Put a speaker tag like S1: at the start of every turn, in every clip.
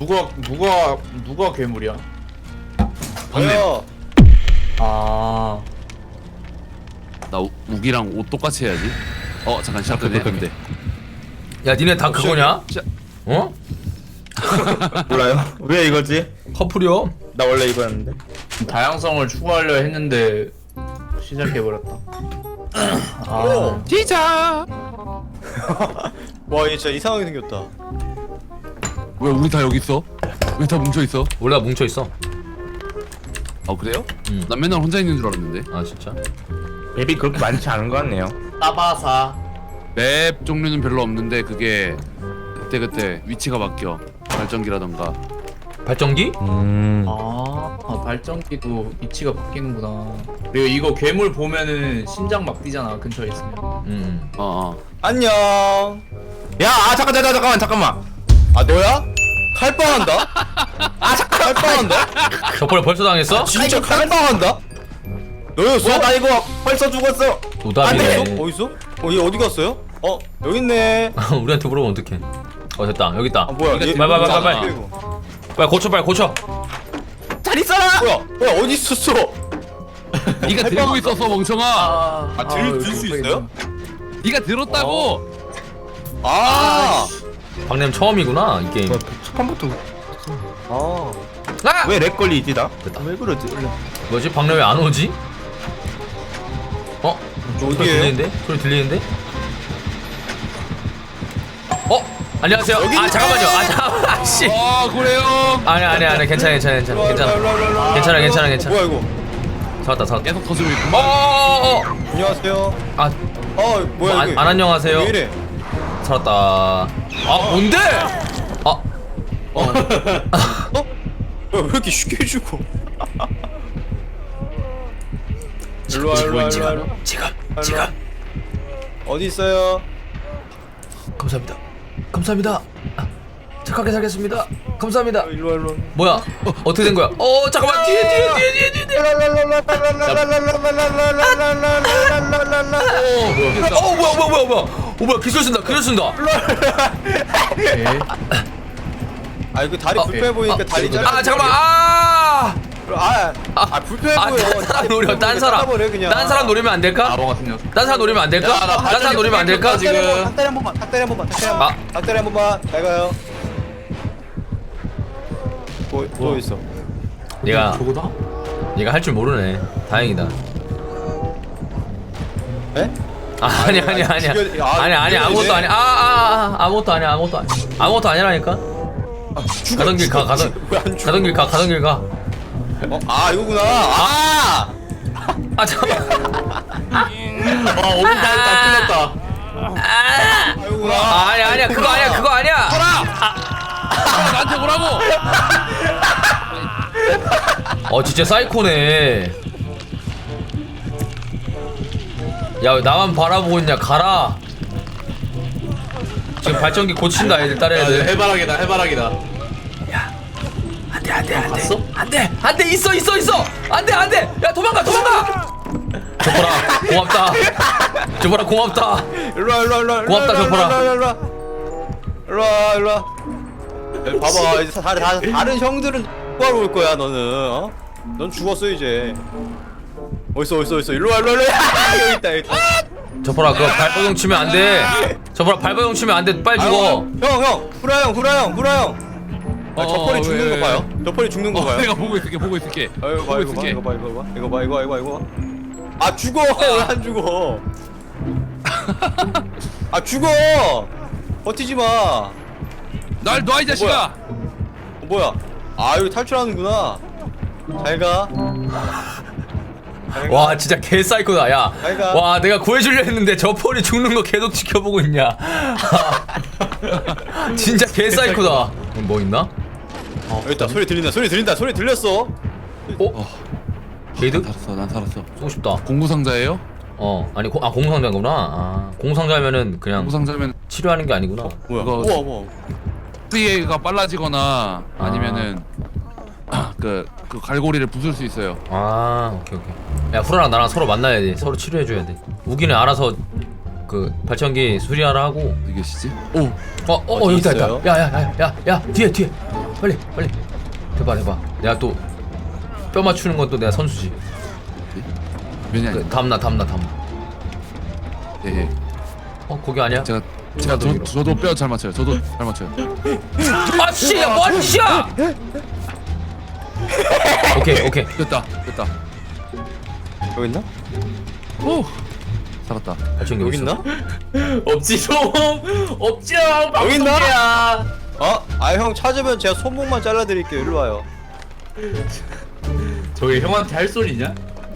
S1: 누가 괴물이야?
S2: 방금
S1: 아,
S3: 나 우기랑 옷 똑같이 해야지. 잠깐 시작되네. 근데
S4: 야 니네 다 그거냐? 어?
S2: 몰라요? 왜 이거지?
S4: 커플이요?
S2: 나 원래 이거였는데.
S1: 다양성을 추구하려 했는데 시작해버렸다. 아,
S3: 시작.
S2: 와, 얘 진짜 이상하게 생겼다.
S3: 왜 우리 다 여기 있어? 왜 다 뭉쳐 있어?
S4: 원래 뭉쳐있어.
S3: 그래요?
S4: 응.
S3: 난 맨날 혼자 있는 줄 알았는데.
S4: 아 진짜?
S5: 맵이 그렇게 많지 않은 것 같네요.
S1: 따바사.
S3: 맵 종류는 별로 없는데 그게 그때 위치가 바뀌어. 발전기라던가.
S4: 발전기?
S1: 발전기도 위치가 바뀌는구나. 그리고 이거 괴물 보면은 심장 막 뛰잖아, 근처에 있으면.
S2: 안녕. 야, 잠깐만. 아, 너야? 칼빵한다? 칼빵한다?
S4: 저번에 벌써 당했어?
S2: 진짜 칼빵한다? 너였어? 나 이거 벌써 죽었어.
S4: 노답이네.
S2: 어딨어? 얘 어디 갔어요? 여기 있네.
S4: 우리한테 물어보면 어떡해. 됐다 여기 있다.
S2: 뭐야? 얘
S4: 빨리.
S2: 이거.
S4: 빨리 고쳐.
S2: 잘 있어라. 뭐야? 어디 있었어?
S3: 네가 들고 있었어 멍청아.
S2: 들 수 있어요?
S3: 네가 들었다고.
S4: 박냄 처음이구나 이 게임.
S5: 처음부터
S2: 왜 렉 걸리지 나?
S4: 됐다.
S2: 왜 그러지?
S4: 뭐지? 박냄 왜 안 오지? 소리
S2: 어디에요?
S4: 들리는데? 소리 들리는데? 안녕하세요. 잠깐만요. 잠깐만. 씨.
S3: 그래요.
S4: 아니 괜찮아.
S2: 뭐야 이거?
S4: 잡았다.
S3: 계속 터지고 있구만.
S2: 안녕하세요. 뭐야 여기?
S4: 안 안녕하세요.
S2: 왜 이래?
S4: 살았다. 뭔데?
S2: 왜 이렇게 쉽게 죽어? 일로와.
S4: 지금.
S2: 어디 있어요?
S4: 감사합니다. 착하게 살겠습니다. 감사합니다.
S2: 일로와.
S4: 뭐야? 어떻게 된 거야? 잠깐만 뒤에. 뭐야? 기술 쓴다.
S2: 이거 다리 불편해 보이니까 다리 잘라.
S4: 잠깐만.
S2: 불편해 보여.
S4: 딴 사람 노려. 딴 사람 노리면 안 될까?
S1: 바보 같은 녀석.
S4: 딴 사람 노리면 안 될까? 딴 사람 노리면 안 될까?
S1: 지금.
S2: 닭다리 한 번만. 닭다리 한 번만. 잘 가요. 뭐 있어?
S1: 저거다?
S4: 얘가 할 줄 모르네. 다행이다.
S2: 에?
S4: 아니야. 아니 아무것도 아니야. 아무것도 아니라니까. 가던 길 가. 가던 길 가.
S2: 이거구나.
S4: 잠깐만.
S1: 5분 다 끝났다.
S2: 이거구나.
S4: 아니야. 그거 아니야.
S3: 나한테 오라고.
S4: 진짜 사이코네. 야, 왜 나만 바라보고 있냐? 가라. 지금 발전기 고친다 애들 다른 애들.
S1: 해바라기다.
S4: 안돼.
S1: 봤어?
S4: 안돼 있어. 안돼. 야 도망가. 저보라 고맙다.
S2: 일로와.
S4: 고맙다, 저퍼라.
S2: 일로와. 봐봐, 이제 다른 형들은 뭐하러 올 거야, 너는? 넌 죽었어 이제. 어딨어? 일로와. 여기 있다.
S4: 저보라 그거 발버둥 치면 안 돼. 저보라 발버둥 치면 안 돼. 빨리 죽어.
S2: 형, 후라 형. 저펄이 죽는 거 봐요. 저펄이 죽는 거 봐요.
S3: 내가 보고 있을게.
S2: 이거 봐. 죽어. 왜 안 죽어? 죽어. 버티지 마.
S3: 날 놔 이 자식아.
S2: 뭐야? 여기 탈출하는구나. 잘 가.
S4: 와 진짜 개 사이코다. 야.
S2: 잘가.
S4: 와 내가 구해주려 했는데 저 폴이 죽는 거 계속 지켜보고 있냐. 진짜 개 사이코다. 뭐 있나?
S2: 여기 있다. 소리 들린다. 소리 들렸어.
S4: 게이드?
S3: 난 살았어.
S4: 쏘고 싶다.
S3: 공구상자예요?
S4: 아니 공상자구나. 공상자면은 그냥
S3: 공구상자면
S4: 치료하는 게 아니구나.
S2: 뭐야?
S3: 그거-
S2: 우와.
S3: 피해가 빨라지거나 아니면은 그 갈고리를 부술 수 있어요.
S4: 오케이. 야 후라랑 나랑 서로 만나야 돼. 서로 치료해줘야 돼. 우기는 알아서 그 발전기 수리하라 하고.
S3: 어디 계시지? 오
S4: 여기 있다
S2: 있어요?
S4: 있다. 야야야야야 뒤에 빨리 해봐. 내가 또 뼈 맞추는 건 또 내가 선수지.
S3: 면이 아니.
S4: 그, 담나.
S3: 예.
S4: 거기 아니야?
S3: 제가
S4: 더
S3: 저도 뼈 잘 맞춰요. 저도 잘 맞춰요.
S4: 아씨 뭐하는 짓이야? 오케이.
S3: 됐다.
S2: 여기 있나?
S3: 오 살았다.
S4: 발전기
S2: 여기
S4: 어디 있어?
S2: 있나?
S1: 없지 좀 없지
S2: 여기 있나?
S1: 방송이야.
S2: 형 찾으면 제가 손목만 잘라드릴게요. 일로 와요.
S1: 저기 형한테 할 소리냐?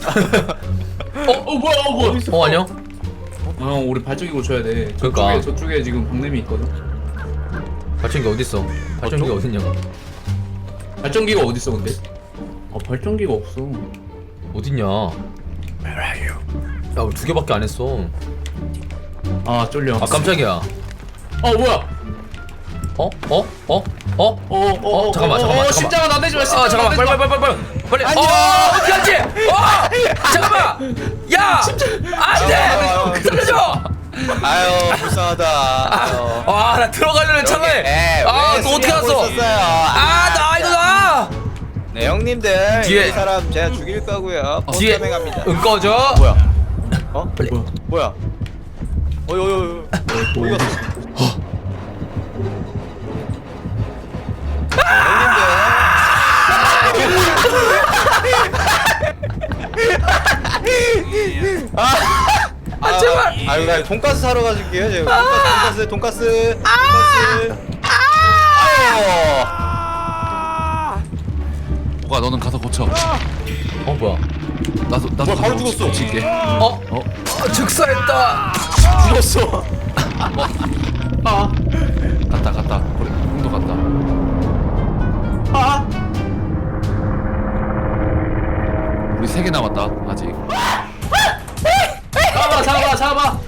S1: 뭐야
S4: 안녕?
S1: 형 우리 발전기 고쳐야 돼.
S4: 그러니까.
S1: 저쪽에 지금 박냄이 있거든.
S4: 발전기 어디 있어? 발전기 어딨냐고?
S1: 발전기가 어디 있어 근데? 발전기가 없어.
S4: 어딨냐? 야 우리 2개밖에 안 했어.
S1: 쫄려.
S4: 깜짝이야.
S1: 뭐야?
S4: 잠깐만.
S1: 심장아 나 내지 마. 심장아
S4: 잠깐만
S1: 나 내지 마.
S4: 빨리. 어떻게 하지? 잠깐만. 야, 안돼. 살려줘.
S2: 아유 불쌍하다. 아유.
S4: 나 들어가려는 참에. 너 어떻게 왔어? 나.
S2: 네 형님들
S4: 뒤에-
S2: 이 사람 제가 죽일 거고요.
S4: 뒤에
S2: 갑니다.
S4: 꺼져.
S2: 뭐야?
S4: 빨리.
S2: 뭐야? 어이 어디 갔어?
S4: 제발.
S2: 아유 나 돈가스 사러 가줄게요. 제가 돈가스.
S3: 뭐가 너는 가서 고쳐.
S4: 뭐야?
S3: 나도
S2: 뭐야, 바로 죽었어.
S3: 고칠게.
S4: 즉사했다.
S2: 죽었어.
S3: 갔다. 우리 형도 갔다. 우리 3개 남았다 아직.
S1: 잡아.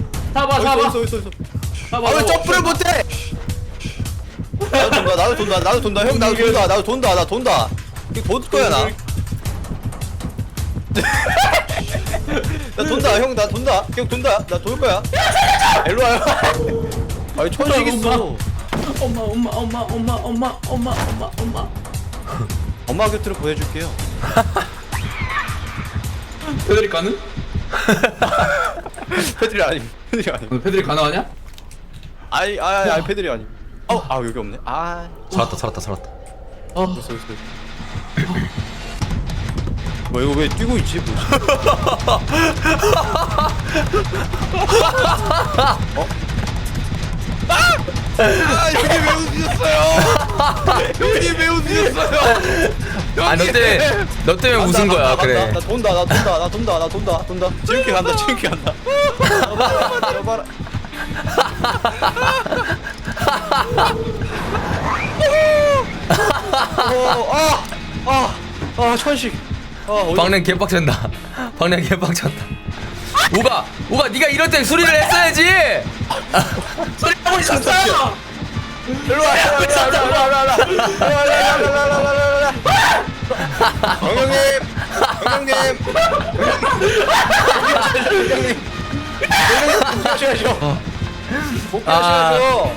S2: 왜 점프를 못해? 나도 돈다. 형 나도 돈다. 이거 돈 거야 나. 나 돈다. 형 나 돈다. 나 돈을 거야. 일로 와요. 아니 천식 있어.
S1: 엄마.
S2: 엄마 곁으로 보내줄게요.
S1: 패들이 가능?
S2: 패들이 아니.
S1: 패들이 가능하냐?
S2: 아니 패들이 아니. 여기 없네.
S4: 살았다.
S2: 있어. 뭐 이거 왜 뛰고 있지? 뭐지? 형님 왜 웃으셨어요?
S4: 너 때문에 웃은 거야. 그래.
S2: 나 돈다. 지금께 간다. 여봐라. 천식.
S4: 박랭 개빡쳤다. 우가 네가 이럴 때 수리를 했어야지.
S1: 소리하고 있었어.
S2: 일로 와. 형님. 복귀하셔야죠.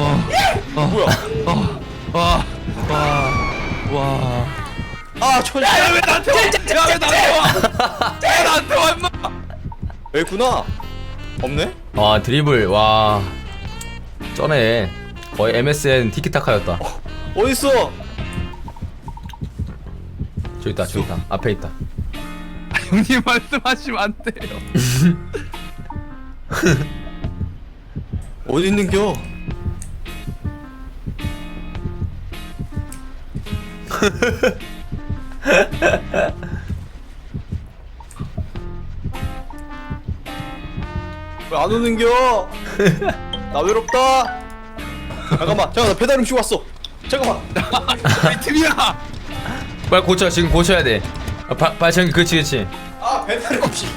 S2: 뭐야? 천식. 왜 나한테 와? 임마. 여기 있구나. 없네?
S4: 드리블 쩌네. 거의 MSN 티키타카였다.
S2: 어딨어?
S4: 저기 있다. 앞에 있다.
S3: 형님 말씀하시면 안 돼요.
S2: 어디 있는겨? 왜 안 오는겨? 나 외롭다. 잠깐만 나 배달 음식 왔어. 잠깐만.
S3: 우리 팀이야.
S4: 빨리 고쳐. 지금 고쳐야 돼. 발전기 그렇지.
S2: 배달 음식.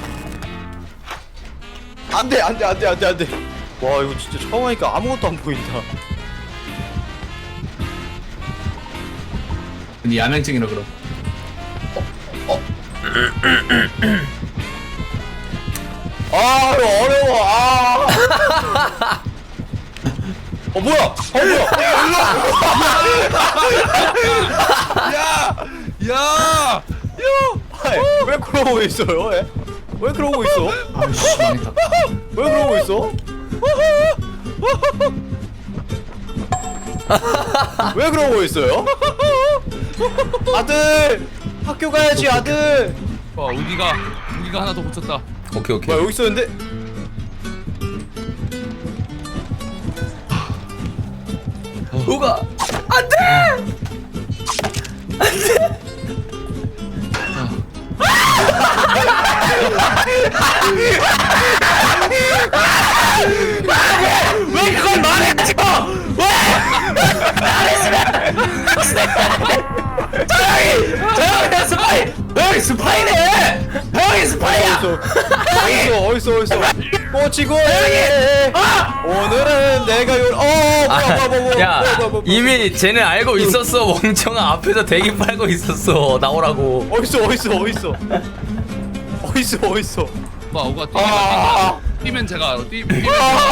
S2: 안돼. 와 이거 진짜 처음 하니까 아무것도 안 보인다.
S1: 근데 야맹증이라 그럼.
S2: 이거 어려워. 뭐야? 뭐야?
S3: 야!
S2: 아이, 왜 그러고 있어요? 예? 왜 그러고 있어?
S1: 아이씨 망했다.
S2: 왜 그러고 있어? 왜 그러고 있어요? 아들 학교 가야지 아들.
S3: 우기가 하나 더 붙였다.
S4: 오케이 오케이.
S2: 뭐야 여기 있었는데?
S4: 우가 안돼.
S1: 왜 그걸 말했지? 저형이 스파이! 형이 스파이네! 형이 스파이야!
S2: 어딨어? 꼬치고 오늘은 내가
S4: 야 이미 쟤는 알고 있었어. 멍청아 앞에서 대기 빨고 있었어. 나오라고.
S2: 어딨어?
S3: 우가 뛰면 제가 알아. 뛰면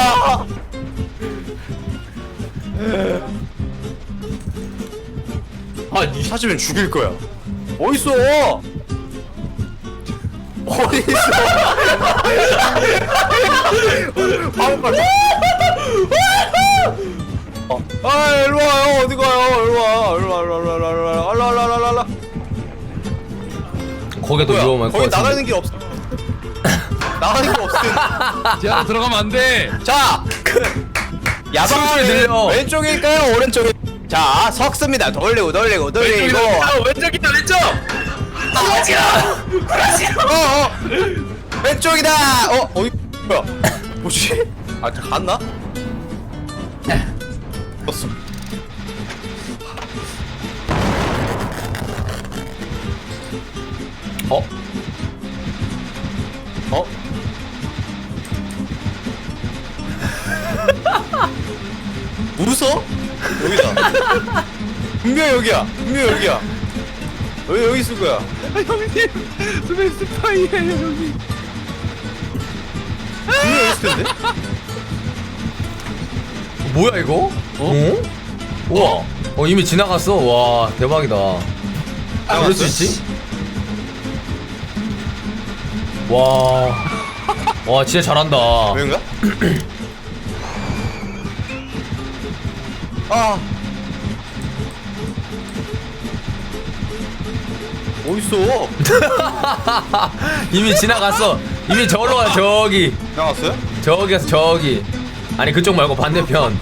S2: 니 찾으면 죽일 거야. 어딨어? 바로 일로 와요. 어디 가요? 일로 와.
S4: 거기가 더 위험할 것
S2: 거기
S4: 같은데.
S2: 나가는 길 없어. 나가는 길 없을 텐데.
S3: 지하로 들어가면 안 돼.
S2: 자,
S4: 숨소리
S2: 야방을
S4: 들려.
S2: 왼쪽일까요? 오른쪽일? 자, 석습니다. 돌리고.
S1: 왼쪽이다 왼쪽!
S2: 왼쪽이다. 어디? 뭐야? 뭐지? 아, 갔나? 떴어.
S4: 어?
S2: 웃어? 여기다. 분명 여기야. 여기 있을 거야.
S3: 형님, 왜 스파이예요, 형님?
S2: 분명 여기 있을 텐데.
S4: 뭐야 이거? 어? 우와. 이미 지나갔어. 와 대박이다. 그럴 수 있지? 와 진짜 잘한다.
S2: 왜인가? 아. 어딨어?
S4: 이미 지나갔어. 이미 저기로 가. 저기
S2: 나갔어요?
S4: 저기 가서 저기. 아니 그쪽 말고 반대편.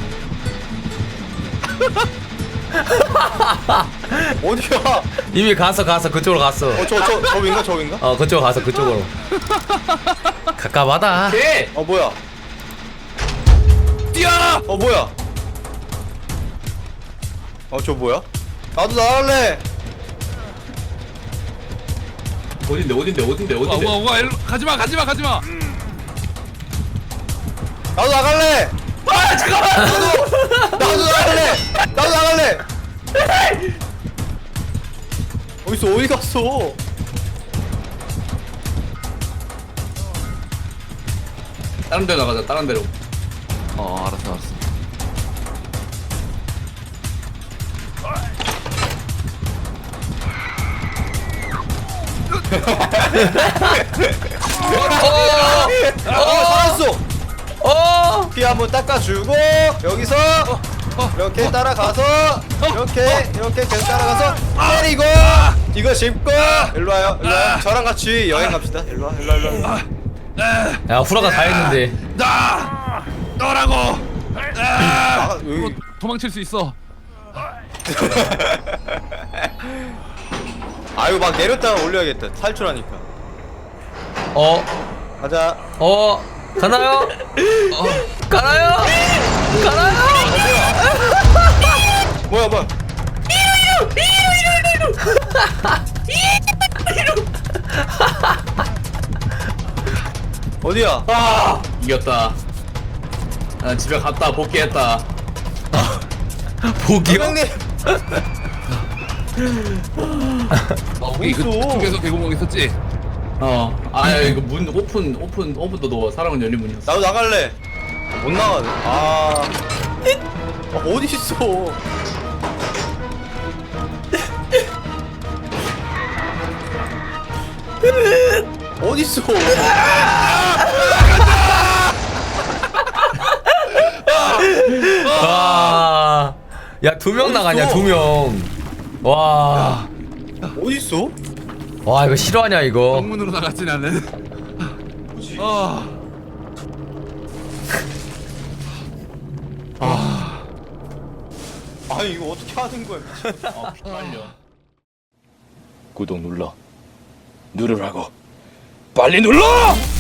S2: 어디야?
S4: 이미 갔어 그쪽으로 갔어.
S2: 저긴가?
S4: 그쪽 가서 그쪽으로. 가깝하다.
S1: 개!
S2: 뭐야?
S3: 뛰어!
S2: 뭐야? 저 뭐야? 나도 나갈래.
S1: 어딘데?
S3: 우가 일로 가지마.
S2: 나도 나갈래.
S1: 아 잠깐만!
S2: 나도 나갈래. 어디 갔어?
S1: 다른 데로 나가자 다른 데로.
S3: 알았어.
S2: 살았어. 피 한번 닦아주고 여기서 이렇게 따라가서 이렇게 계속 따라가서 때리고 이거 짚고 일로 와요. 저랑 같이 여행 갑시다. 일로 와.
S4: 야 후라가 다 했는데.
S3: 너라고.
S2: 여기
S3: 도망칠 수 있어.
S2: 아이고 막 내렸다가 올려야겠다. 탈출하니까. 가자.
S4: 가나요? 가나요?
S2: 뭐야? 어디야?
S1: 이겼다. 난 집에 갔다 복귀했다.
S4: 복이요?
S2: 형님.
S3: 우리 그쪽에서 개구멍 있었지?
S1: 이거 문 오픈도 넣어. 사람은 열린 문이었어.
S2: 나도 나갈래. 못 나가네. 어디 있어? 어디 있어?
S4: 아, 야, 2명 나가냐, 2명. 와,
S2: 어디 있어?
S4: 와, 이거 실화냐, 이거.
S3: 정문으로 나갔지 나는.
S2: 아니 이거 어떻게 하는 거야?
S1: 아 피말려.
S6: 구독 눌러 누르라고 빨리 눌러!